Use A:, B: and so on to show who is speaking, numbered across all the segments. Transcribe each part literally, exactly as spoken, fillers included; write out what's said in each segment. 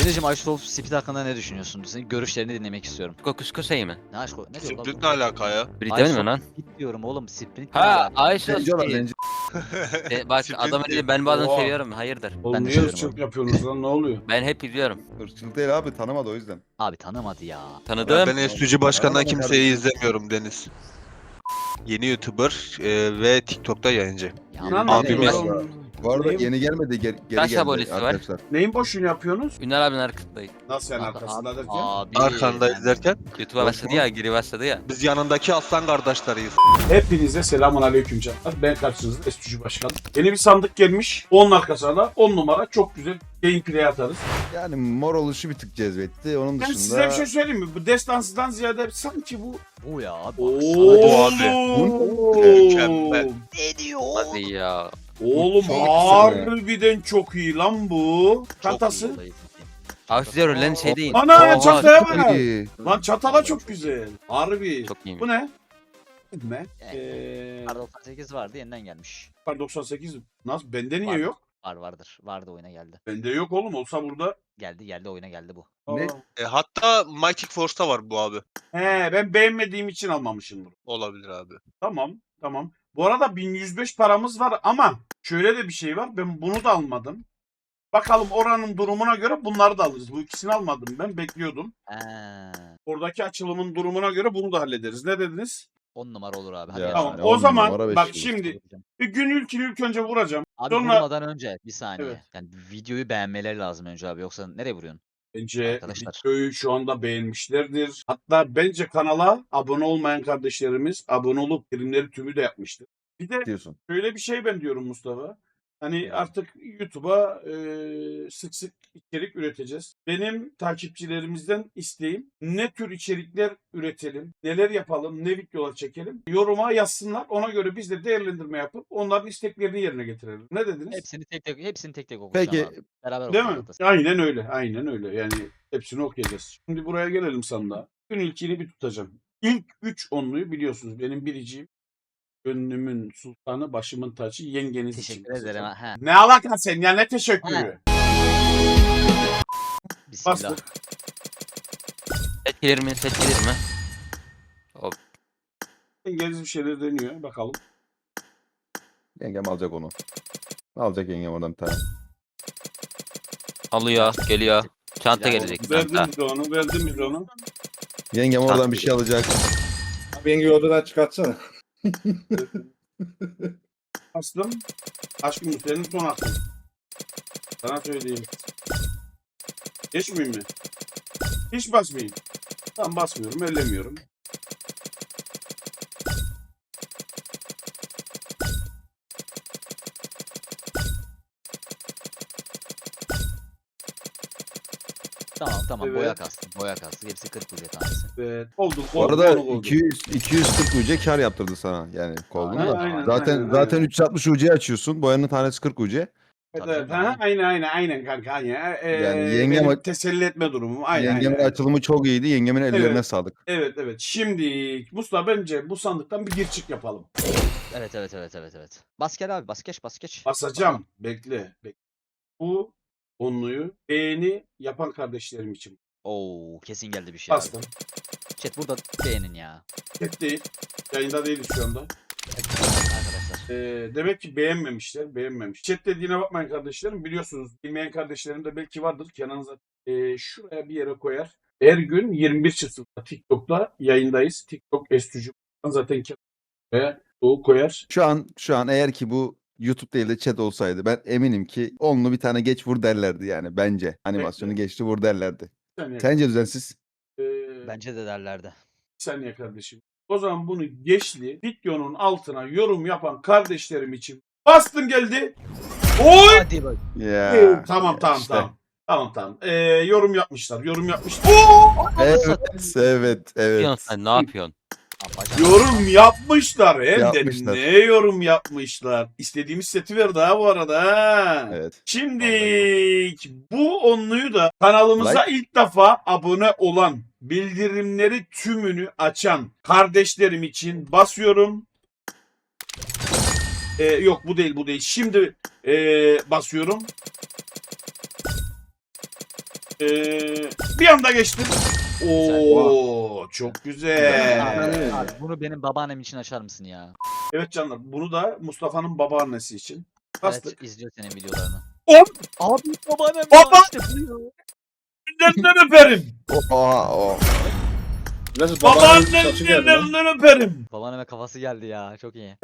A: Denizciğim Aşraf Speed hakkında ne düşünüyorsun? Senin görüşlerini dinlemek istiyorum.
B: Kokuskusayı mı?
A: Ne aşk ne diyor
C: Sprint ne alaka ya?
B: Sprint mi lan?
A: Speed diyorum oğlum. Sprint
B: Ha Ayşe
D: Zenci olan
B: Speed.
D: zenci.
B: E, bak
C: Sprint
B: adamın
C: diyor.
B: dedi ben bu adamı
E: Oha.
B: seviyorum. Hayırdır?
A: Ben
E: Oğlum
A: de
E: niye
A: seviyorum
E: ırkçılık
A: abi.
E: yapıyorsunuz lan, ne oluyor?
B: Ben hep izliyorum.
D: Irkçılık değil abi, tanımadı o yüzden.
A: Abi tanımadı ya.
B: Tanıdığım.
C: Ben S U G başkanından
D: Tamam,
C: kimseyi
D: kardeşim.
C: izlemiyorum Deniz. Yeni YouTuber e, ve TikTok'ta yayıncı.
A: Ya
E: Lan
C: Abi
E: ne
C: ben-
E: diyorsun?
D: Bu arada
E: Neyin-
D: yeni gelmedi, geri, geri
B: Kaç
D: geldi
B: abonesi var?
D: arkadaşlar.
E: Neyin boşluğunu yapıyorsunuz?
B: Ünal abinin arkasındayım.
E: Nasıl yani
A: Abi,
E: arkasında derken?
A: abi,
C: Arkanda
A: ben-
C: izlerken
B: YouTube'a başladı ya, geri başladı ya.
C: biz yanındaki aslan kardeşleriyiz.
E: Hepinize selamun aleyküm canlar. Ben karşınızda S U G Başkanı. Yeni bir sandık gelmiş. Onun arkasına da on numara çok güzel gameplay atarız.
D: Yani mor oluşu bir tık cezbetti. Onun
E: Ben
D: dışında...
E: size bir şey söyleyeyim mi? Bu destansıdan ziyade sanki bu...
A: Bu ya abi.
E: Oo.
C: Bu abi. Mükemmel.
A: Ne diyor?
B: Hadi ya.
E: Oğlum
D: Çok güzel
E: harbiden çok iyi lan bu. Çantası.
B: Avcılar ölen şey değil.
E: Ana
B: Oha,
E: çantaya
D: Çok
E: bak.
D: iyi.
E: Lan çatala çok güzel. Harbi.
B: Çok iyi.
E: Bu ne? Ne?
A: Eh,
E: Eee...
A: Kar doksan sekiz vardı yeniden gelmiş.
E: Kar doksan sekiz. Nasıl? Bende niye
A: Vardır.
E: yok?
A: Var vardır. Vardı oyuna geldi.
E: Bende yok oğlum. Olsa burada.
A: Geldi geldi oyuna geldi bu.
D: Ne?
E: Aa.
C: E, hatta Mighty Force'ta var bu abi.
E: He, ben beğenmediğim için almamışım bunu.
C: Olabilir abi.
E: Tamam, tamam. Bu arada bin yüz beş paramız var ama şöyle de bir şey var. Ben bunu da almadım. Bakalım oranın durumuna göre bunları da alırız. Bu ikisini almadım ben. Bekliyordum.
A: Eee,
E: Oradaki açılımın durumuna göre bunu da hallederiz. Ne dediniz?
A: on numara olur abi. Hadi
D: Ya,
A: gel.
E: Tamam.
D: yani
E: O
D: on
E: zaman
D: numara
E: bak
D: beş
E: şimdi bir gün ilkini ilk önce vuracağım.
A: Abi
E: Sonra-
A: vurmadan önce bir saniye.
E: Evet.
A: Yani videoyu beğenmeleri lazım önce abi. Yoksa nereye vuruyorsun?
E: Bence
A: Arkadaşlar.
E: videoyu şu anda beğenmişlerdir. Hatta bence kanala abone olmayan kardeşlerimiz abone olup primleri tümü de yapmıştır. Bir de
D: Diyorsun.
E: şöyle bir şey ben diyorum Mustafa. Hani
A: Evet.
E: artık YouTube'a e, sık sık içerik üreteceğiz. Benim takipçilerimizden isteğim ne tür içerikler üretelim, neler yapalım, ne videolar çekelim. Yoruma yazsınlar. Ona göre biz de değerlendirme yapıp onların isteklerini yerine getirelim. Ne dediniz?
A: Hepsini tek tek hepsini tek tek okuyacağım
D: Peki
A: abi. Beraber
E: Değil mi?
A: okuyacağız.
E: Aynen öyle. Aynen öyle. Yani hepsini okuyacağız. Şimdi buraya gelelim sandığa. Gün ilkini bir tutacağım. İlk üç onluyu biliyorsunuz. Benim biriciğim. Gönlümün sultanı, başımın tacı, yengeniz için.
A: Teşekkür ederim.
E: basacağım.
A: Ha.
E: Ne alaka sen ya, ne teşekkürü?
A: Bismillah.
E: Bastık.
B: Set gelir mi? Set gelir mi?
E: Yengeniz bir şeyler deniyor. Bakalım.
D: yengem alacak onu. Alacak yengem oradan bir tane.
B: Alıyor, geliyor. Çanta
A: Silah
B: gelecek.
E: Verdim
B: Çanta.
E: bize onu, verdim bize onu.
D: Yengem oradan bir şey alacak.
F: Beni odadan çıkartsana.
E: Bastım. Aşkım bu senin son hakkın. Sana söyleyeyim. Geçmeyeyim mi? Hiç basmayayım. Tamam, basmıyorum, ellemiyorum.
A: Tamam tamam
E: Evet.
A: boya kastım. Boya kastı. Hepsi kırk ucu tanesi.
E: Evet. Oldu.
D: Bu
E: oldu,
D: arada
E: oldu, oldu.
D: iki yüz iki yüz kırk U C kar yaptırdı sana. Yani koldun
A: Aynen,
D: da.
E: aynen,
D: Zaten
E: aynen,
D: zaten
E: aynen.
D: üç yüz altmış U C açıyorsun. Boyanın tanesi kırk U C.
E: Evet,
A: Tabii
E: evet.
A: canım,
E: Ha, aynen aynen aynen kanka. Aynen. Ee,
D: Yani
E: benim
D: yengem-
E: teselli etme durumum. Aynen,
D: Yengemin
E: aynen.
D: açılımı çok iyiydi. Yengemin ellerine
E: Evet.
D: sağlık.
E: Evet evet. Şimdi Mustafa bence bu sandıktan bir gir çık yapalım.
A: Evet evet evet evet evet. Bas gel abi bas geç bas geç.
E: Basacağım. Bekle. Bekle. Bu onluyu beğeni yapan kardeşlerim için.
A: Oo kesin geldi bir şey abi.
E: Bastım.
A: Chat burada beğenin ya.
E: Hep değil. Yayında değiliz şu anda.
A: Arkadaşlar.
E: Ee, demek ki beğenmemişler. Beğenmemiş. Chat dediğine bakmayın kardeşlerim. Biliyorsunuz bilmeyen kardeşlerim de belki vardır. Kenan zaten ee, şuraya bir yere koyar. Her gün yirmi bir Şubat'ta TikTok'ta yayındayız. TikTok Estücü. Zaten Kenan ve o koyar.
D: Şu an şu an eğer ki bu YouTube değil de chat olsaydı ben eminim ki onlu bir tane geç vur derlerdi yani bence. Animasyonu
E: Bekle.
D: geçti vur derlerdi.
E: Bir saniye.
D: Sence düzensiz?
E: Ee,
A: Bence de derlerdi.
E: Bir saniye kardeşim. O zaman bunu geçli videonun altına yorum yapan kardeşlerim için bastım geldi. Oy!
A: Hadi bak.
D: Ya.
E: Ee, tamam tamam
D: işte.
E: tamam. Tamam tamam. Ee, yorum yapmışlar. Yorum yapmışlar. Oo!
D: Evet, evet,
B: Ne
D: evet.
B: yapıyorsun sen? Ne yapıyorsun?
A: Apacan.
E: Yorum yapmışlar. Hem
D: Yapmışlar.
E: de ne yorum yapmışlar. İstediğimiz seti verdi ha bu arada. Ha.
D: Evet.
E: Şimdi bu onluyu da kanalımıza
D: Like.
E: ilk defa abone olan, bildirimleri tümünü açan kardeşlerim için basıyorum. Ee, yok bu değil bu değil. Şimdi ee, basıyorum. Ee, bir anda geçtim. Oo çok güzel.
A: Abi, abi, bunu benim babaannem için açar mısın ya?
E: Evet canlar, bunu da Mustafa'nın babaannesi için. Bastık.
A: Evet, izliyor senin videolarını.
E: Hop!
A: Abi babaannem
E: Baba!
A: ya, işte bu ya.
E: Ellerinden öperim.
D: Oha o.
F: Biraz babaannemin saçı
E: Babaannenin
F: geldi lan.
E: ellerinden öperim.
A: Babaanneme kafası geldi ya, çok iyi.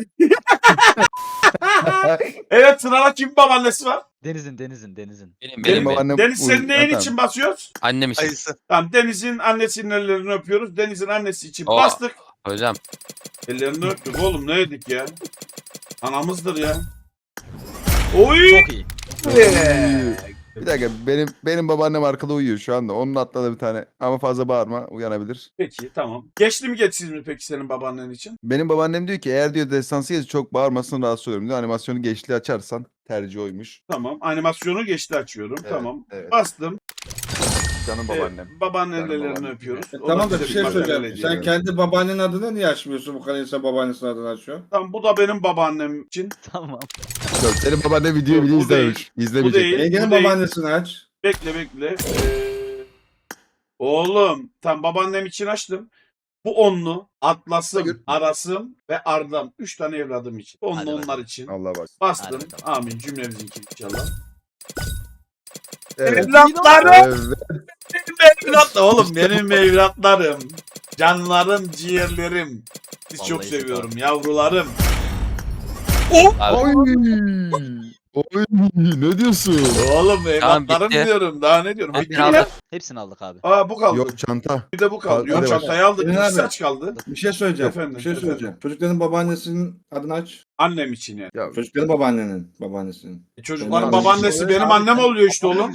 E: Evet, sırada kim babaannesi var?
A: Deniz'in, Deniz'in, Deniz'in.
B: Benim
D: Benim
B: benim, benim.
D: babaannem
E: Deniz senin
D: uy-
E: neyin
D: Ha,
E: için basıyoruz?
B: Annem için.
C: Ayısı.
E: Tamam, Deniz'in annesinin ellerini öpüyoruz. Deniz'in annesi için
B: Aa.
E: bastık.
B: Hocam.
E: Ellerini öptük oğlum, ne yedik ya? Anamızdır ya. Oy!
A: Çok iyi.
E: Ee,
D: Bir dakika benim benim babaannem arkada uyuyor şu anda. Onun atladı bir tane. Ama fazla bağırma uyanabilir.
E: Peki tamam. Geçti mi geçsiz mi peki senin babaannen için?
D: Benim babaannem diyor ki eğer diyor destansı yazı çok bağırmasın rahatsız olurum diyor. Animasyonu geçli açarsan tercih oymuş.
E: Tamam. Animasyonu geçti açıyorum.
D: Evet,
E: tamam.
D: evet.
E: Bastım.
D: Canım
E: Ee,
D: babaannem.
E: babaannenin
D: Canım
E: ellerini
D: babaannem.
E: öpüyoruz.
F: E,
E: O
F: tamam da
E: bize
F: bir şey
E: materyal
F: söyleyeceğim.
E: ediyor.
F: Sen kendi babaannenin adını niye açmıyorsun bu kadar insan babaannesinin adını açıyor?
E: Tamam, bu da benim babaannem için.
A: Tamam.
D: Yok, senin babaannem videoyu
E: Yok,
D: bile
E: bu
D: izlememiş. İzlemeyecek.
E: değil.
F: Yengenin
E: bu değil.
F: babaannesini aç.
E: Bekle bekle. Ee, oğlum tam babaannem için açtım. Bu onlu, Atlas'ım,
D: Hayır.
E: Aras'ım ve Arda'm. Üç tane evladım için. Onlu
A: Hadi
E: onlar
A: bakalım.
E: için.
D: Allah bak.
E: Bastım.
A: Hadi bakalım.
E: Amin. Cümlemizinki inşallah.
D: Evet.
E: Evlatlarım.
D: Evet.
E: Benim evlat oğlum. Benim evlatlarım. Canlarım, ciğerlerim. Sizi çok
A: Vallahi
E: seviyorum yavrularım. Oh!
B: Abi,
D: Oy. Oy. Ne diyorsun?
E: Oğlum evlatlarım
B: bitti.
E: diyorum. Daha ne diyorum?
B: hepsini
E: Bitti mi ya?
B: aldık.
A: Hepsini aldık abi.
E: Aa bu kaldı.
D: Yok çanta.
E: Bir de bu kaldı.
D: Hadi
E: Yok
D: bak.
E: çantayı aldık.
F: Emin
E: İki
F: abi.
E: saç kaldı.
F: Bir şey söyleyeceğim.
E: Efendim,
F: bir şey
E: efendim.
F: söyleyeceğim. Çocukların babaannesinin adını aç.
E: Annem için yani.
D: Ya,
F: Çocukların babaannenin babaannesinin.
E: E, çocukların
F: Abi,
E: babaannesi
A: şey-
E: benim
A: Abi,
E: annem
A: sen-
E: oluyor işte oğlum.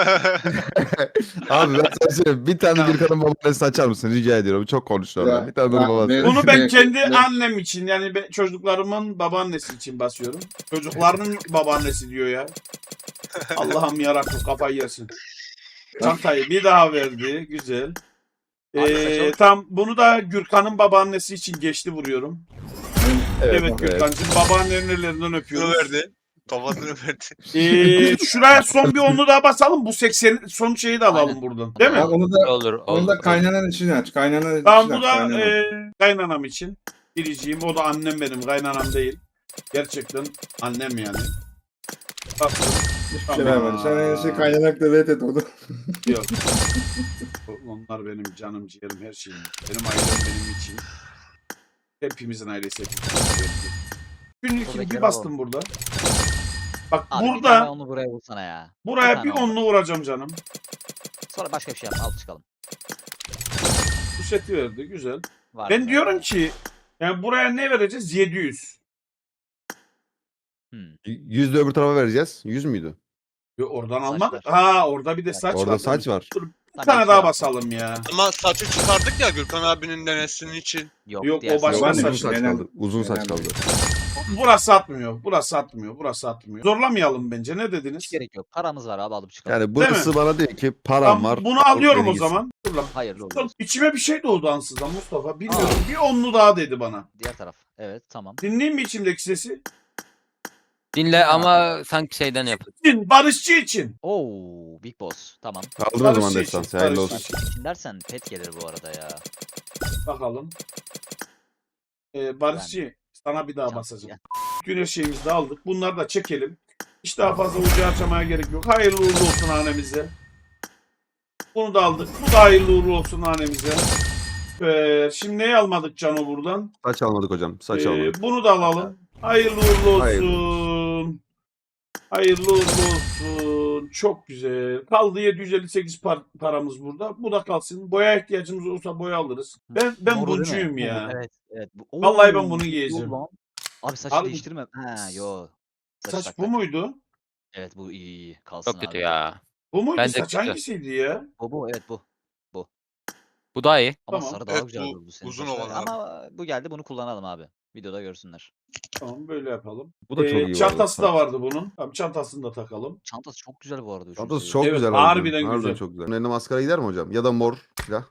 D: abi ben sana söyleyeyim. Bir tane Gürkan'ın babaannesini açar mısın? Rica ediyorum. Çok konuştu orada.
F: Ya,
D: Bir tane onun
F: ya,
D: babası.
F: benim-
E: Bunu ben
F: Ne-
E: kendi
F: ne-
E: annem için yani ben çocuklarımın babaannesi için basıyorum. Çocukların babaannesi diyor ya. Allah'ım yarabbim kafayı yersin. Çantayı bir daha verdi. Güzel.
A: Abi,
E: Ee,
A: saçma.
E: tam bunu da Gürkan'ın babaannesi için geçti vuruyorum. Evet,
D: evet.
E: Gürkan'cığım babaannenin ellerinden
C: Kilo
E: öpüyoruz.
C: verdi. Kafasını verdi.
E: Ee, şuraya son bir onlu daha basalım. Bu seksen son şeyi de alalım
A: Aynen.
E: buradan. Değil mi?
F: Ya onu da
B: Olur.
F: onu da
B: olur.
F: kaynanan için aç. Kaynanan için
E: Tamam bu
F: aç.
E: da
F: kaynanan.
E: e, kaynanam için. Biriciğim o da annem benim kaynanam değil. Gerçekten annem yani. Bastım.
F: Hiçbir şey
E: Tamam.
F: vermedi. Sen en iyisi kaynanakla vet et onu.
E: Yok. Onlar benim canım ciğerim her şeyim. Benim ailem benim için. Hepimizin ailesi hepimizin. Günlük
A: Buradaki
E: bir
A: araba
E: bastım burada. Bak
A: Abi bir tane
E: burada
A: onu buraya vursana ya.
E: buraya
A: tane
E: bir
A: oldu.
E: onlu vuracağım canım.
A: Sonra başka bir şey yap. Al çıkalım.
E: Bu seti verdi güzel.
A: Var
E: Ben
A: mı?
E: diyorum ki yani buraya ne vereceğiz? yedi yüz.
A: Hmm.
D: Yüzde öbür tarafa vereceğiz. Yüz müydü?
E: Yo, oradan
A: Saç
E: almadık.
A: var.
E: Ha orada bir de saç var.
D: Orada saç var.
E: Dur, bir
A: Tamam,
E: tane
A: iki
E: daha
A: yap.
E: basalım ya.
C: Ama saçı çıkardık ya Gürkan abinin denesinin için.
A: Yok,
E: Yok,
A: diğer
E: o başka
A: saç-
D: Uzun
E: saç.
D: saç
F: genel-
D: kaldı. Uzun saç
F: genel-
D: kaldı.
E: Burası atmıyor. Burası atmıyor. Burası atmıyor. Zorlamayalım bence. Ne dediniz?
A: Hiç gerek yok. Paramız var abi, alıp çıkalım.
D: Yani burası bana diyor ki param
E: Tamam,
D: var.
E: bunu alıyorum
D: beni
E: o
D: gitsin.
E: zaman. Dur lan.
A: Hayırlı olsun.
E: İçime bir şey doğdu ansızdan Mustafa. Bilmiyorum. Bir onlu daha dedi bana.
A: Diğer taraf. Evet, tamam.
E: Dinleyeyim mi içimdeki sesi?
B: Dinle ama sanki şeyden yap.
E: Din, barışçı için.
A: Oo, Big Boss. Tamam.
D: Kaldır o zaman
E: Barışçı için,
D: destansı. Hayırlı
E: barışçı
D: olsun.
E: için.
A: İçin dersen pet gelir bu arada ya.
E: Bakalım. Ee, barışçı sana bir daha
A: Çanta,
E: basacağım.
A: gel.
E: Bütün her şeyimizi de aldık. Bunları da çekelim. Hiç daha fazla ucu açmaya gerek yok. Hayırlı uğurlu olsun hanemize. Bunu da aldık. Bu da hayırlı uğurlu olsun hanemize. Ee, şimdi neyi almadık Cano buradan?
D: Saç almadık hocam. Saç
E: Ee,
D: almadık.
E: bunu da alalım. Hayırlı uğurlu olsun.
D: Hayırlı
E: Hayırlı uğurlu olsun. Çok güzel. Kaldı yedi yüz elli sekiz par- paramız burada. Bu da kalsın. Boya ihtiyacımız olursa boya alırız. Ben ben
A: Moru değil mi?
E: buncuyum
A: Bu,
E: ya.
A: bu, Evet, evet. Bu-
E: Vallahi ben
A: Oo,
E: bunu
A: dur
E: giyeceğim.
A: lan. Abi saçı
E: Abi-
A: değiştirme. Ha, yo.
E: Saç
A: tak
E: bu
A: tak.
E: muydu?
A: Evet, bu iyi iyi. Kalsın
B: Çok kötü
A: abi.
B: ya.
E: Bu muydu?
B: Bence
E: Saç
B: kötü.
E: hangisiydi ya?
A: Bu bu, evet bu.
B: Bu daha iyi.
A: Ama
E: Tamam.
A: sarı daha
C: Evet,
A: güzel
C: bu
A: durdu senin
C: uzun
A: saçlar.
C: olan abi.
A: Ama bu geldi, bunu kullanalım abi. Videoda görsünler.
E: Tamam böyle yapalım.
D: Bu da çok
E: Ee,
D: iyi. bu arada.
E: çantası da vardı bunun. Tamam çantasını da takalım.
A: Çantası çok güzel bu arada. üçüncü
D: Çantası
A: seviye.
D: çok
E: Evet,
D: güzel.
E: harbiden
D: harbiden
E: güzel.
D: çok güzel. Bunun eline maskara gider mi hocam? Ya da mor silah.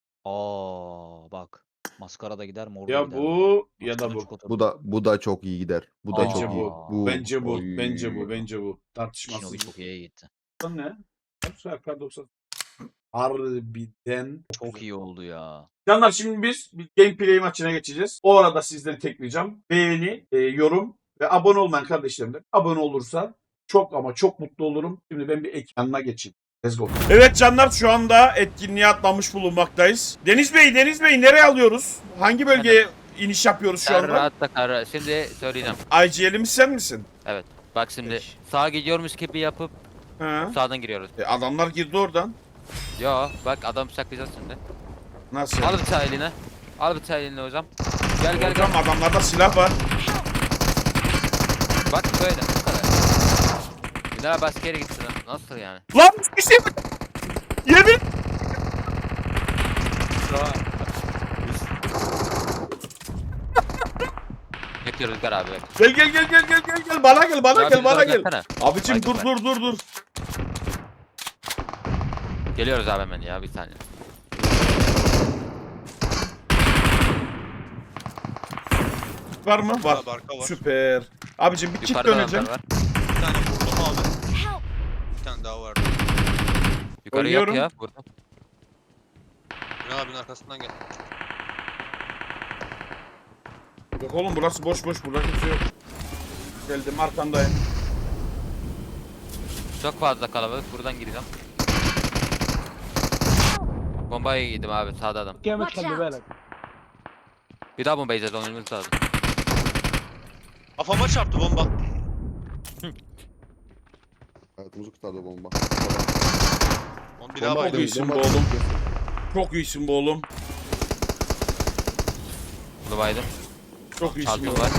A: Aa bak. Maskara da gider, mor da
E: Ya
A: gider.
E: bu ya da
A: Maskara
E: bu.
A: çikolata.
D: Bu da bu da çok iyi gider. Bu da
E: Bence
D: çok iyi.
E: bu. Bence bu.
D: Oy.
E: Bence bu. Bence bu.
A: Shinobi
E: Tartışmasız.
A: çok iyi gitti.
E: Bu ne? Kar doksan. Harbiden.
A: Çok iyi oldu ya.
E: Canlar şimdi biz bir gameplay maçına geçeceğiz. O arada sizden tek ricam beğeni, e, yorum ve abone olmayan kardeşlerim de abone olursa çok ama çok mutlu olurum. Şimdi ben bir ekranına geçeyim. Let's go. Evet canlar şu anda etkinliğe atlamış bulunmaktayız. Deniz Bey, Deniz Bey nereye alıyoruz? Hangi bölgeye iniş yapıyoruz şu
B: Sen
E: anda?
B: rahatla kar. Şimdi söyleyeceğim.
E: I G L'imiz sen misin?
B: Bak şimdi sağa gidiyormuş gibi yapıp
E: He.
B: sağdan giriyoruz.
E: E, adamlar girdi oradan.
B: Yo bak adam saklayacağız şimdi.
E: Nasıl?
B: Al bıçağı eline. Al bıçağı eline hocam. Gel gel
E: Hocam
B: gel.
E: adamlarda silah var.
B: Bak böyle bu kadar. Günler başka yere gitsin. Nasıl yani?
E: Lan bir şey mi? Yemin.
B: Bekle Rüzgar abi bak.
E: Gel gel gel gel gel gel gel bana gel bana
B: Ya
E: gel
B: bir
E: bana
B: daha
E: gel.
B: gelsene.
E: Abicim
B: Hadi
E: dur
B: bak.
E: dur dur dur.
B: Geliyoruz abi hemen ya bir saniye.
E: Var mı? Var.
C: Abi arka var.
E: Süper. Abicim bir kit
B: Yukarıda
E: döneceğim.
B: adamlar var.
C: Bir tane vurdum abi. Bir tane daha vardı.
B: Yukarı
E: Oynuyorum.
B: yok ya burada.
C: Ünal abinin arkasından gel.
E: Yok oğlum burası boş boş burada kimse yok. Geldim arkandayım.
B: Çok fazla kalabalık buradan gireceğim. Bombayı yedim abi sağda adam.
G: Watch out!
B: Bir daha bomba yiyeceğiz onun lazım.
C: Kafama çarptı bomba.
D: Hayatımızı kurtardı o bomba.
C: Onu bir daha
D: Bomba
C: baydım.
E: Çok iyisin
D: bomba
E: bu oğlum.
D: atıyor.
E: Çok iyisin bu oğlum.
B: Bunu baydım.
E: Çok iyisin bu
B: Çaltım
E: oğlum.
B: var.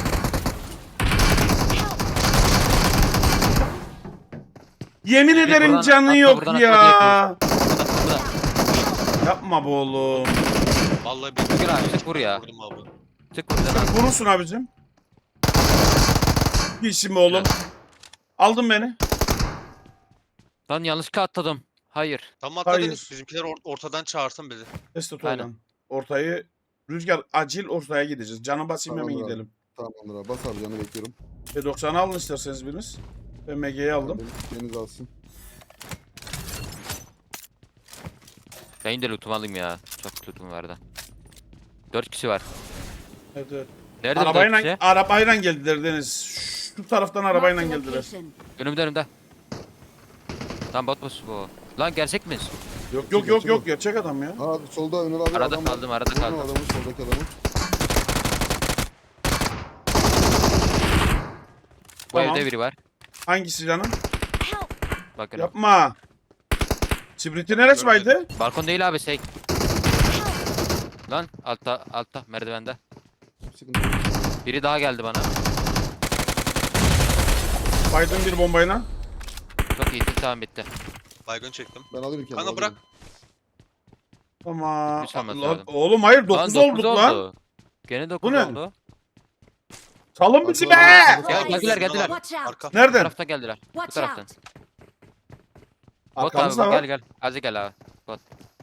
E: Yemin ederim
B: buradan
E: canı
B: atla,
E: yok
B: buradan
E: ya.
B: atla, Burada.
E: Yapma bu oğlum.
C: Vallahi bir
B: Rüzgar abi çık vur ya.
C: vurdum abi.
B: Çık buradan abi.
E: Vurursun abicim. İyisin bu oğlum. Aldın beni.
B: Lan yanlışlıkla atladım. Hayır.
C: Tamam atladınız.
E: Hayır.
C: Bizimkiler or- ortadan çağırsın bizi.
E: Test
B: Aynen.
E: oynan. Ortayı Rüzgar acil ortaya gideceğiz. Canı basayım hemen
D: Tamamdır abi.
E: gidelim.
D: Tamamdır abi. Bas abi canı bekliyorum.
E: P doksan'ı alın isterseniz biriniz. Ben M G'yi aldım.
D: Benim- Deniz alsın.
B: Ben de lootumu alayım ya. Çok lootum vardı. Dört kişi var.
E: Evet, evet.
B: Nerede bu dört
E: Arabayla,
B: kişi?
E: arabayla geldiler Deniz. Şu taraftan arabayla
G: Marked a
E: geldiler.
G: location.
B: Önümde önümde. Lan bot boss bu. Lan gerçek miyiz?
E: Yok yok yok yok gerçek adam ya.
D: Aa solda Ünal abi
B: Arada
D: adam var.
B: kaldım arada
D: Vurma
B: kaldım.
D: adamı soldaki adamı.
B: Bu
E: Tamam.
B: evde biri var.
E: Hangisi canım?
G: Help!
B: Bakın.
E: Yapma. Sprint'i neresi vardı?
B: Balkon değil abi şey. Lan altta altta merdivende.
D: Sıkıntı yok.
B: Biri daha geldi bana.
E: Baydın bir bombayla.
B: Çok iyisin tamam bitti.
C: Baygın çektim.
D: Ben alırım kendimi.
C: Kanka bırak.
D: alırım.
E: Tamam.
B: Üç alması
E: Allah-
B: lazım.
E: Oğlum hayır
B: Lan
E: dokuz
B: dokuz
E: olduk lan.
B: oldu. Gene dokuz
E: ne?
B: oldu.
E: Salın bizi be.
D: Arkadan-
B: Gel geldiler geldiler.
G: Watch out!
C: Arka.
B: Bu
E: Nereden?
B: taraftan geldiler. Bu
G: Watch
B: taraftan.
G: out!
B: Bot abi
E: Arkamızda
B: bak,
E: var.
B: gel gel. Hadi gel abi. Bot.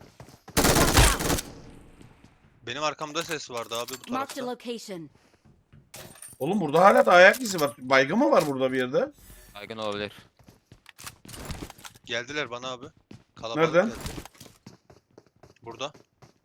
C: Benim arkamda ses vardı abi bu
G: Marked a
C: tarafta.
G: location.
E: Oğlum burada hala da ayak izi var. Baygın mı var burada bir yerde?
B: Baygın olabilir.
C: Geldiler bana abi. Kalabalık
E: Nereden?
C: geldi. Burada.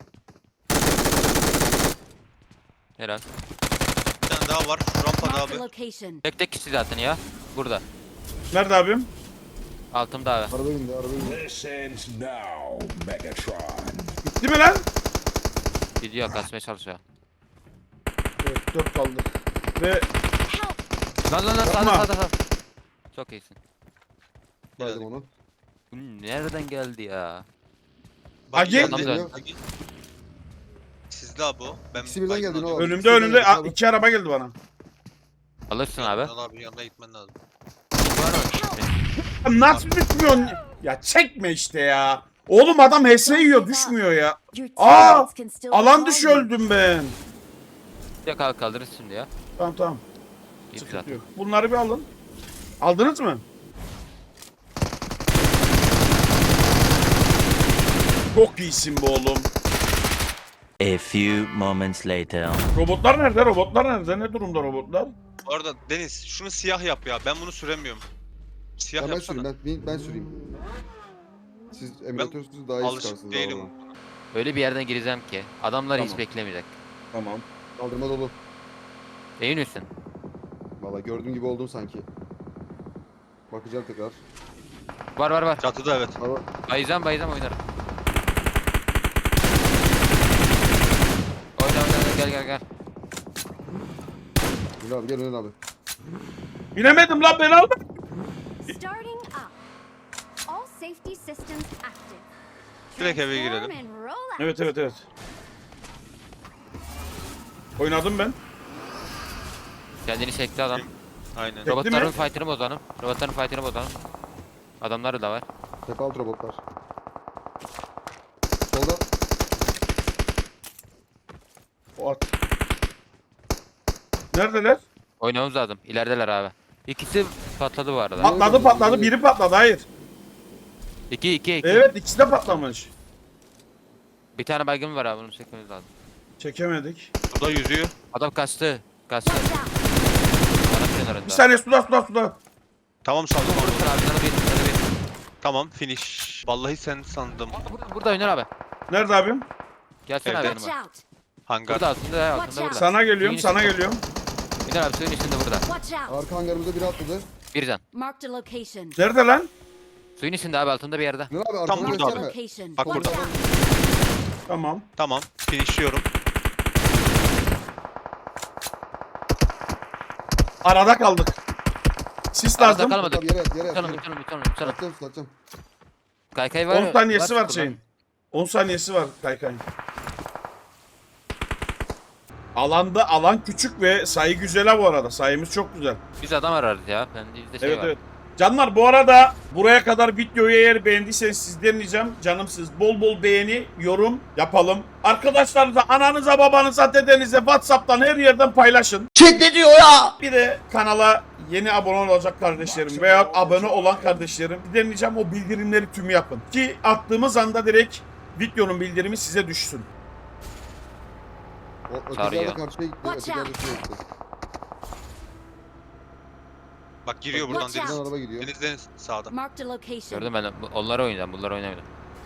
B: Herhalde.
C: Bir tane daha var. Şu rampada
G: Marked a
C: abi.
G: location.
B: Tek tek kişi zaten ya. Burada.
E: Nerede abim?
B: Altımda abi.
D: Araba indi araba indi.
H: This ends now, Megatron.
E: Gitti mi lan?
B: Gidiyor kaçmaya çalışıyor.
E: Evet dört kaldı. Ve
B: Lan lan lan sağda
E: Yapma.
B: sağda sağda. Çok iyisin.
D: Baydım onu.
B: Bu nereden geldi ya?
C: Bak
E: Agi?
C: geldi.
D: Geliyor.
C: Agi. Sizde abi o. Ben
D: İkisi birden
C: baygın
D: geldi, ne
C: alıyorum.
D: var?
E: önümde
D: İkisi de
E: önümde
D: geldi
E: a-
D: abi.
E: iki araba geldi bana.
B: Alırsın abi.
C: Ünal abi yanına gitmen lazım.
E: Ya nasıl düşmüyorsun? Ya çekme işte ya. Oğlum adam H S yiyor düşmüyor ya.
G: Your
E: Aa!
G: teammates can still
E: Alan
G: call
E: dışı
G: you.
E: öldüm ben.
B: Ya kalk kaldırırız şimdi ya.
E: Tamam tamam.
B: İyi
E: Sıkıntı
B: zaten.
E: yok. Bunları bir alın. Aldınız mı? Çok iyisin bu oğlum.
I: A few moments later.
E: Robotlar nerede? Robotlar nerede? Ne durumda robotlar?
C: Bu arada Deniz şunu siyah yap ya. Ben bunu süremiyorum. Siyah
D: Ya ben
C: yapsana.
D: süreyim ben, ben, ben süreyim. Siz emülatörsüz daha iyi
C: Alışık
D: çıkarsınız.
C: değilim.
D: abi.
B: Öyle bir yerden gireceğim ki adamlar hiç
F: Tamam.
B: beklemeyecek.
F: Tamam.
D: Kaldırma dolu.
B: Emin misin?
D: Valla gördüğün gibi oldum sanki. Bakacağım tekrar.
B: Var var var.
C: Çatıda evet.
D: Ama
B: Bayılacağım bayılacağım oynarım. Oyna oyna oyna, gel gel gel.
D: Ünal abi gel Ünal abi.
E: Binemedim lan, beni alma.
G: Starting up. All safety systems active.
C: Direkt eve
G: Transform
C: girelim.
G: and roll out.
E: Evet evet evet. Oynadım ben.
B: Kendini çekti adam.
C: Aynen.
E: Çekti
B: Robotların
E: mi?
B: fight'ını bozanım. Robotların fight'ını bozanım. Adamları da var.
D: Tepe alt robotlar. Solda.
E: O at. Neredeler?
B: Oynamamız lazım. İlerideler abi. İkisi patladı bu arada.
E: Patladı patladı. Biri patladı. Hayır.
B: İki iki iki.
E: Evet, ikisi de patlamış.
B: Bir tane baygın var abi bunu çekmemiz lazım.
E: Çekemedik.
C: Suda yüzüyor.
B: Adam kaçtı. Kaçtı.
G: Watch out.
B: Bana kenarında.
E: Bir saniye, suda suda suda.
C: Tamam sandım onu.
B: Vurursun abi sana bir. Sana bir.
C: Tamam finish. Vallahi sen sandım.
B: Aa, Burada, burada oynar abi.
E: Nerede abim?
B: Gelsene abi
C: Evet.
G: Watch
B: yanıma.
G: out.
C: Hangar.
B: Burada altında ya
G: Watch
B: altında
G: out.
B: burada.
E: Sana geliyorum,
B: Suyun
E: sana
B: içinde.
E: geliyorum.
B: İner abi suyun içinde burada.
G: Watch out.
D: Arka hangarımızda biri atladı.
B: Bir can.
G: Marked a location.
E: Nerede lan?
B: Suyun içinde abi altında bir yerde.
D: Ünal abi
C: Tam
D: arkadan
C: burada
G: Marked a
D: geçsene.
G: location.
C: Bak
G: Watch
C: burada.
G: out.
E: Tamam.
C: Tamam. Finishliyorum.
E: Arada kaldık. Sis
B: Arada
E: lazım.
B: kalmadık.
D: Abi yere yat yere yat.
B: Tutalım
D: yere.
B: tutalım tutalım tutalım.
D: Atacağım atacağım.
B: Kaykay var mı?
E: on saniyesi var
B: şurada.
E: şeyin. on saniyesi var kaykayın. Alanda alan küçük ve sayı güzel ha bu arada. Sayımız çok güzel.
B: Biz adam ararız ya. Ben bizde şey
E: Evet
B: var.
E: evet. Canlar bu arada buraya kadar videoyu eğer beğendiyseniz sizden ricam canımsınız. Bol bol beğeni, yorum yapalım. Arkadaşlarınıza, ananıza, babanıza, dedenize, WhatsApp'tan her yerden paylaşın. Chat ne diyor ya? Bir de kanala yeni abone olacak kardeşlerim veya abone olan kardeşlerim sizden ricam o bildirimleri tüm yapın. Ki attığımız anda direkt videonun bildirimi size düşsün.
D: O ötekiler
B: Sarıyor.
D: de karşıya gitti.
G: Watch
D: Ötekiler de
G: out.
D: şuraya gitti.
C: Bak giriyor buradan
G: Watch
C: deniz.
G: out.
D: Buradan araba gidiyor.
C: Deniz deniz sağda.
G: Marked a location.
B: Gördüm ben. de. Bu- Onları oynayacağım. Bunları oynamayacağım.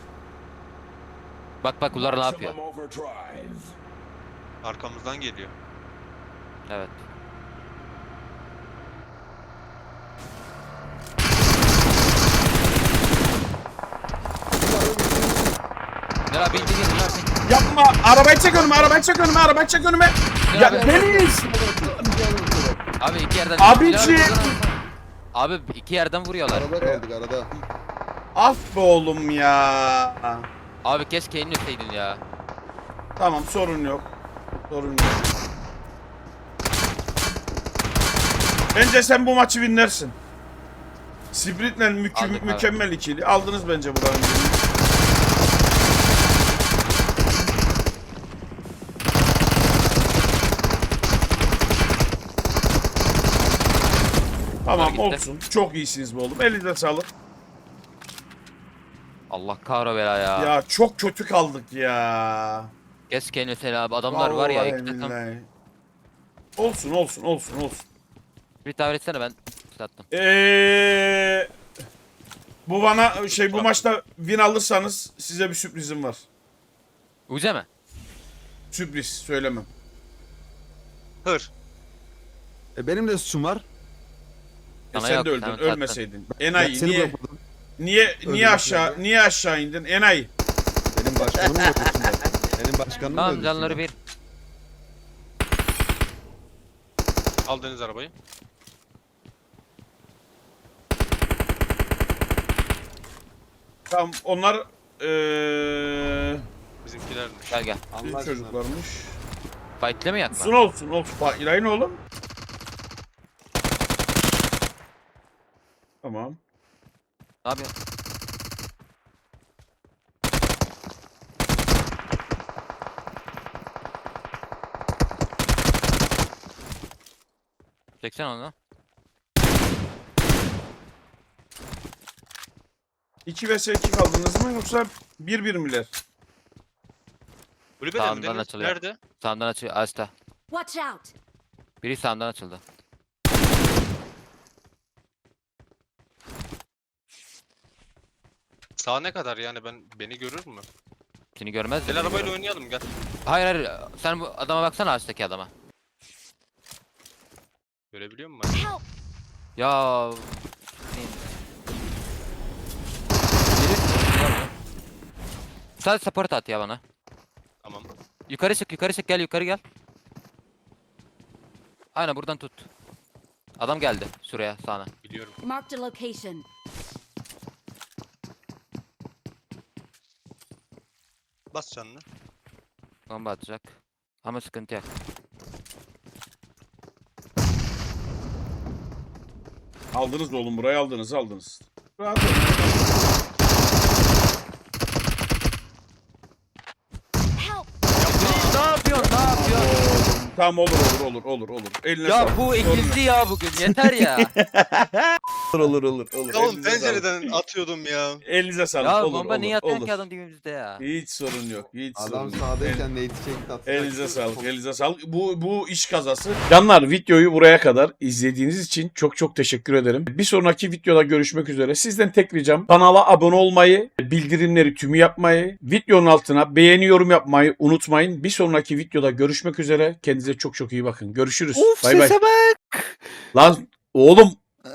B: Bak bak bunlar ne yapıyor?
H: Maximum overdrive.
C: Arkamızdan geliyor.
B: Evet. Gel abi indi gelin lan.
E: Yapma! Arabayı çek önüme, arabayı çek önüme, arabayı çek önüme!
B: Gel
E: Ya
B: abi.
E: Deniz!
B: Abi iki yerden.
E: Abiciğim!
B: Gel abi, buradan alsana. Abi iki yerden vuruyorlar.
D: Arada kaldık arada.
E: Ah be oğlum ya!
B: Abi keşke elini öteydin ya.
E: Tamam, sorun yok. Sorun yok. Bence sen bu maçı winlersin. Sprit'le mükü-
B: Aldık abi.
E: mükemmel ikili. Aldınız bence buranın birini. Tamam
B: gitti.
E: olsun. Çok iyisiniz be oğlum. Elinize sağlık.
B: Allah kahro bela ya.
E: Ya çok kötü kaldık ya.
B: Keşke elini öteydin abi. Adamlar var ya
E: Vallahi
B: iki takım.
E: billahi. Olsun olsun olsun olsun.
B: Bir tabir etsene ben sattım.
E: Eee bu bana şey bu maçta win alırsanız size bir sürprizim var.
B: Uze mi?
E: Sürpriz söylemem.
C: Hır.
D: E benim de suçum var.
E: E
B: Sana
E: sen
B: yok,
E: de
B: sen
E: öldün,
B: sattın.
E: ölmeseydin.
D: Ben
E: Enayi
D: seni
E: niye
D: bırakmadım.
E: niye
D: Öldüm
E: niye aşağı
D: ben.
E: niye aşağı indin? Enayi.
D: Benim başkanım mı öldürsün ben? Benim başkanım mı
B: Tamam
D: öldürsün
B: canları
D: ben?
B: bir.
C: Al deniz arabayı.
E: Tamam onlar eee
C: Bizimkilermiş.
B: Gel gel.
E: bizim çocuklarmış.
B: Fightle mi yakma?
E: Olsun olsun olsun. Bak İlayın oğlum. Tamam.
B: Ne yapıyorsun? Çeksen onu.
E: iki vs iki kaldınız mı yoksa bir bir miler?
C: Kulübede mi
B: Sağından
C: deniz?
B: açılıyor.
C: Nerede?
B: Sağımdan açıyor. Açta.
G: Watch out.
B: Biri sağımdan açıldı.
C: Sağ ne kadar yani ben beni görür mü?
B: Seni görmez de.
C: Gel arabayla oynayalım gel.
B: Hayır hayır. Sen bu adama baksana ağaçtaki adama.
C: Görebiliyor musun?
G: Help!
B: Ya. Sadece support at ya bana.
C: Tamam.
B: Yukarı çık yukarı çık gel yukarı gel. Aynen buradan tut. Adam geldi şuraya sağına.
C: Biliyorum.
G: Marked a location.
C: Bas canını.
B: Bomba atacak. Ama sıkıntı yok.
E: Aldınız oğlum burayı aldınız aldınız. Rahat olun.
G: Help!
B: Ne yapıyorsun ne yapıyorsun?
E: Tamam olur olur olur olur olur. Eline
B: Ya
E: sağlık.
B: bu
E: Sorun
B: ikildi ya bugün yeter ya.
E: Olur olur olur. olur.
C: Ya oğlum
E: Elinize sağlık.
C: pencereden atıyordum ya.
E: Elinize sağlık.
B: Ya
E: olur,
B: bomba
E: olur,
B: niye atıyorsun
E: olur.
B: ki adam dibimizde ya.
E: Hiç sorun yok. Hiç sorun
D: Adam
E: yok. El-
D: sağdayken neydi çekti atacak.
E: Elinize sağlık, elinize sağlık. Bu bu iş kazası. Canlar videoyu buraya kadar izlediğiniz için çok çok teşekkür ederim. Bir sonraki videoda görüşmek üzere. Sizden tek ricam kanala abone olmayı, bildirimleri tümü yapmayı, videonun altına beğeni yorum yapmayı unutmayın. Bir sonraki videoda görüşmek üzere. Kendinize çok çok iyi bakın. Görüşürüz. Bay bay. Lan oğlum